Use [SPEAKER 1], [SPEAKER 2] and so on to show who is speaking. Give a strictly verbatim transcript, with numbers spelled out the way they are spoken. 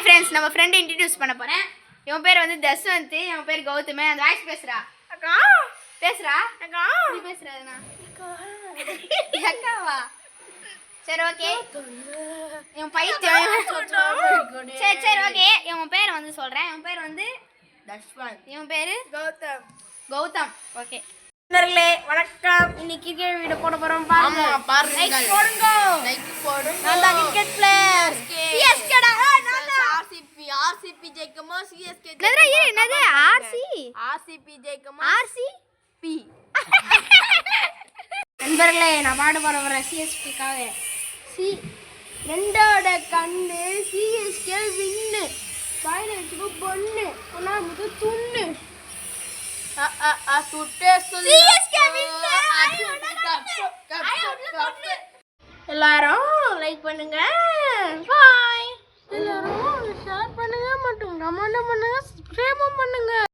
[SPEAKER 1] Friends, நம்ம friend introduce பண்ண போறேன். இவன் பேர் வந்து தஸ்வந்த், இவன் பேர் கௌதம். அந்த வாய்ஸ் பேசுறா. அக்கா பேசுறா. அக்கா நீ பேசுறதுனா அக்கா அக்காவா? சரி ஓகே. இவன் பைத்தியம். சரி சரி ஓகே. இவன் பேர் வந்து சொல்றேன். இவன் பேர் வந்து தஸ்வந்த். இவன் பேரு கௌதம். கௌதம் ஓகே. நண்பர்களே வணக்கம். இன்னைக்கு கிரிக்கெட் வீடியோ போட போறோம். பாருங்க பாருங்க. லைக் போடுங்க. லைக் போடுங்க. நான் தான் கிரிக்கெட் பிளேயர். சிஎஸ்கே டா. நான் தான் ஆர்சிபி. ஆர்சிபி ஜெயிக்குமா சிஎஸ்கே ஜெயிக்குமா? என்னடா இது? என்னது ஆர்சி? RCB ஜெயிக்குமா RCB? நண்பர்களே நான் பாட போற வர சிஎஸ்கேக்காக. சி ரெண்டோட கண்ணு சிஎஸ்கே வின்னு. வாயில வச்சுக்கோ பொண்ணு. ஒண்ணா முது துண்ணு. அ அ அ சுட்டே சொல்லு. CSK win. எல்லாரும் லைக் பண்ணுங்க. பாய். எல்லாரும் ஷேர் பண்ணுங்க மற்றும் கமெண்ட் பண்ணுங்க, சப்ஸ்கிரைப் பண்ணுங்க.